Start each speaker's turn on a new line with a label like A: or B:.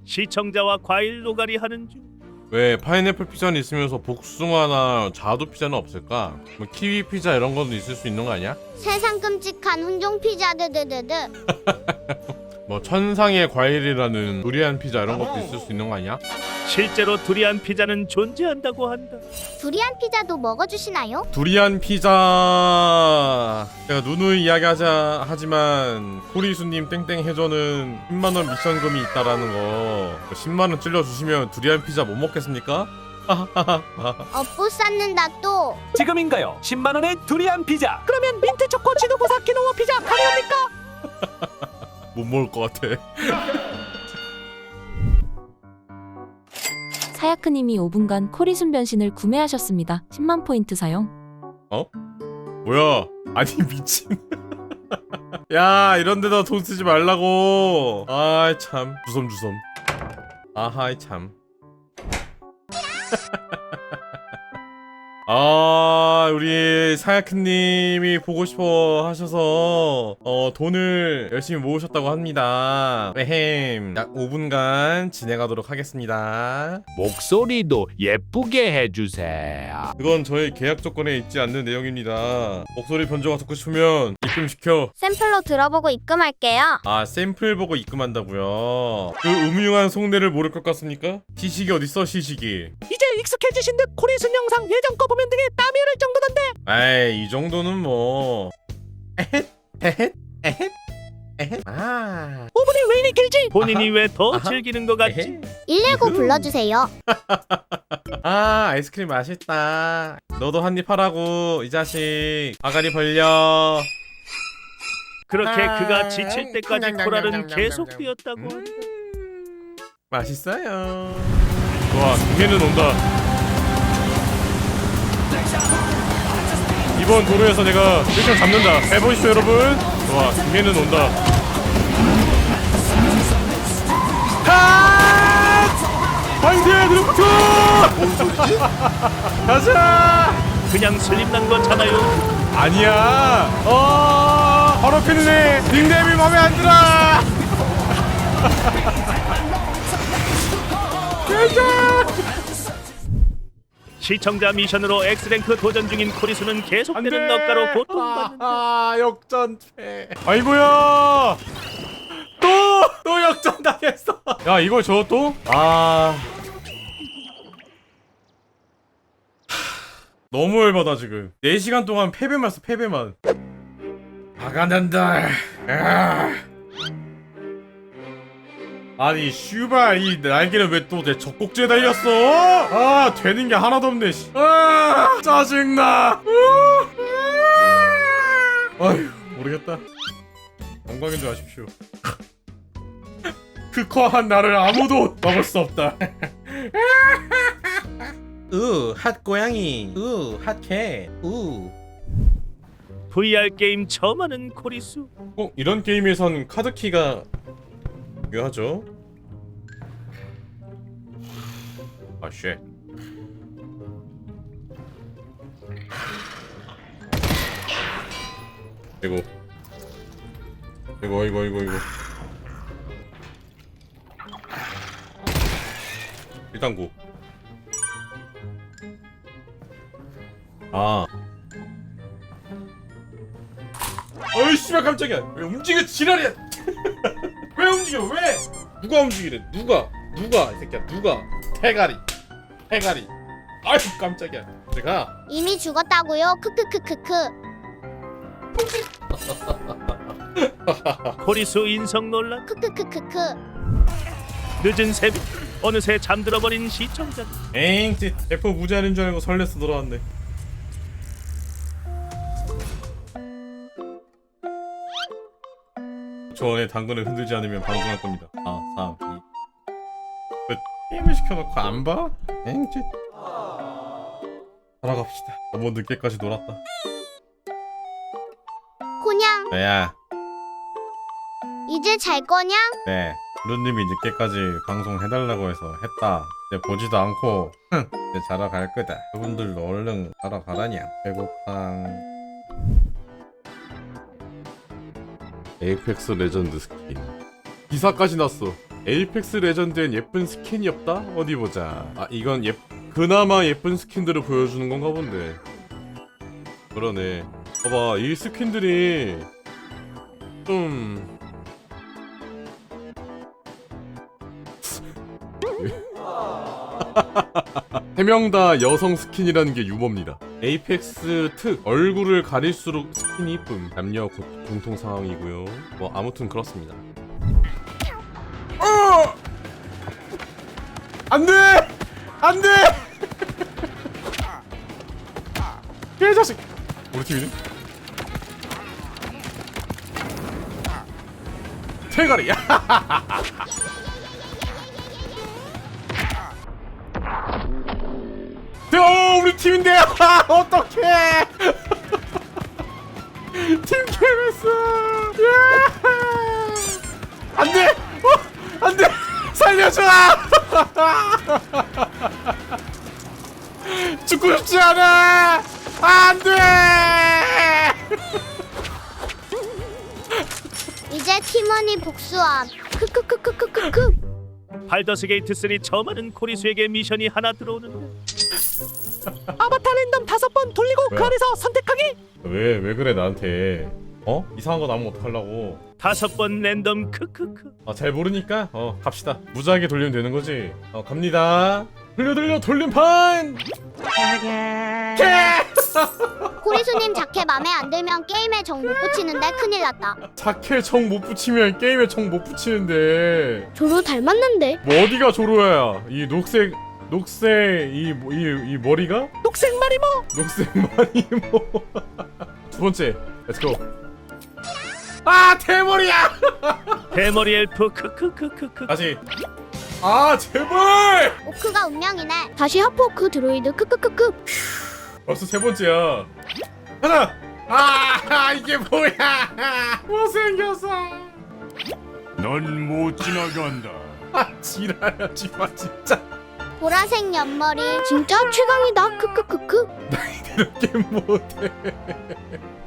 A: 시청자와 과일 노가리 하는 중.
B: 왜 파인애플 피자는 있으면서 복숭아나 자두 피자는 없을까? 뭐 키위 피자 이런 것도 있을 수 있는 거 아니야?
C: 세상 끔찍한 훈종 피자 드드드드.
B: 뭐 천상의 과일이라는 두리안 피자 이런 것도 있을 수 있는 거 아니야?
A: 실제로 두리안 피자는 존재한다고 한다.
C: 두리안 피자도 먹어주시나요?
B: 두리안 피자 제가 누누이 이야기하자 하지만 코리수님 땡땡 해줘는 10만원 미션금이 있다라는 거 10만원 찔러주시면 두리안 피자 못 먹겠습니까?
C: 업보 쌓는다 또.
D: 지금인가요? 10만원의 두리안 피자. 그러면 민트 초코 지도보사 키노아 피자 가능합니까?
B: 못 먹을 것 같아.
E: 사야크님이 5분간 코리순 변신을 구매하셨습니다. 10만 포인트 사용.
B: 뭐야? 아니 미친. 야 이런 데다 돈 쓰지 말라고. 아이 참 주섬주섬. 아하이 참. 아 우리 사야크님이 보고 싶어 하셔서 돈을 열심히 모으셨다고 합니다. 에헴 약 5분간 진행하도록 하겠습니다.
F: 목소리도 예쁘게 해주세요.
B: 그건 저희 계약 조건에 있지 않는 내용입니다. 목소리 변조가 듣고 싶으면 입금시켜.
C: 샘플로 들어보고 입금할게요.
B: 아 샘플 보고 입금한다고요? 그 음흉한 속내를 모를 것 같습니까? 시식이 어딨어 시식이.
D: 이제 익숙해지신 듯 코리순 영상 예전 거 보면 등에 땀이 흐를 정도던데.
B: 에이 이 정도는 뭐 에헷 에헷 에헷 에헷 아
D: 5분이 왜 이리 길지?
A: 본인이 왜 더
B: 아하.
A: 즐기는 것 같지?
B: 에헷.
C: 119 불러주세요.
B: 아 아이스크림 맛있다. 너도 한입 하라고 이 자식. 아가리 벌려.
A: 그렇게
B: 아,
A: 그가 지칠 때까지 코랄은 계속 뛰었다고 한다.
B: 맛있어요. 좋아 김해는 온다. 이번 도로에서 내가 1등 잡는다. 해보시죠 여러분. 좋아 김해는 온다. 화이팅 드래프트! 뭔 소리지? 가자!
A: 그냥 슬림난 거잖아요.
B: 아니야. 바로 필네. 닉네임이 맘에 안 들어.
A: 시청자 미션으로 X랭크 도전 중인 코리수는 계속되는 넉가로 고통받는다.
B: 역전패. 아이고야. 또 역전 당했어. 야 이걸 줘 또? 너무 열받아 지금. 4시간 동안 패배만 했어 패배만. 화가 난다. 아니 슈발 이 날개는 왜 또 내 젖꼭지에 달렸어? 아 되는 게 하나도 없네. 아 짜증나. 아휴 모르겠다. 영광인 줄 아십시오. 흑화한 나를 아무도 막을 수 없다. 핫 고양이. 핫캣.
A: VR 게임 처음 하는 코리수.
B: 이런 게임에선 카드키가 중요하죠. 아 쉣. 이거 일단 고. 어이 씨발 깜짝이야. 왜 움직여 지랄이야. 왜 움직여 왜? 누가 움직이래? 누가 이 새끼야 누가? 대가리. 아유 깜짝이야. 제가
C: 이미 죽었다고요. 크크크크크.
A: 코리수 인성 논란.
C: 크크크크크.
A: 늦은 새벽 어느새 잠들어버린 시청자.
B: 에잉 대포 무제한인 줄 알고 설레서 돌아왔네. 저 안에 당근을 흔들지 않으면 방송할 겁니다. 4, 3, 2. 왜 게임을 시켜놓고 안 봐? 에잉 살아갑시다. 너무 늦게까지 놀았다.
C: 고냥
B: 야
C: 이제 잘 거냥?
B: 네 루님이 늦게까지 방송 해달라고 해서 했다. 이제 보지도 않고 이제 자러 갈 거다. 그분들도 얼른 자러 가라냐. 배고팡. 에이펙스 레전드 스킨 기사까지 났어. 에이펙스 레전드엔 예쁜 스킨이 없다? 어디 보자. 아 이건 그나마 예쁜 스킨들을 보여주는 건가 본데. 그러네. 봐봐 이 스킨들이 좀 세 명 다 여성 스킨이라는 게 유머입니다. 에이펙스 특 얼굴을 가릴수록 스킨이 이쁨. 남녀 공통 상황이고요. 뭐 아무튼 그렇습니다. 안돼! 안돼! 개자식! 우리 팀이네? 대가리! 우리 팀인데! 어떡해! 팀 케베스! 안돼! 안돼! 살려줘! 죽고 싶지 않아! 안돼!
C: 이제 팀원이 복수함. 크크크크크크크.
A: 발더스 게이트 3 처음 하는 코리수에게 미션이 하나 들어오는데
D: 아바타 랜덤 5번 돌리고
B: 왜?
D: 그 안에서 선택하기.
B: 왜 그래 나한테? 어? 이상한 거 나오면 어떡하려고?
A: 5번 랜덤 크크크.
B: 잘 모르니까 갑시다. 무지하게 돌리면 되는 거지. 갑니다. 돌려 돌림판.
C: 코리수님 자켓 맘에 안 들면 게임에 정 못 붙이는데 큰일 났다.
B: 자켓 정 못 붙이면 게임에 정 못 붙이는데.
C: 조로 닮았는데.
B: 뭐 어디가 조로야? 이 녹색 이 머리가?
D: 녹색 마리모.
B: 녹색 마리모. 두 번째. 렛츠고. 아 대머리야.
A: 대머리 엘프 크크크크크.
B: 다시. 아 제발.
C: 오크가 운명이네. 다시 하프오크 드로이드 크크크크.
B: 벌써 세 번째야. 하나. 아 이게 뭐야? 못생겼어.
F: 넌 못 지나간다.
B: 아 지랄하지 마 진짜.
C: 보라색 옆머리 진짜 최강이다 크크크크.
B: 이렇게 못해.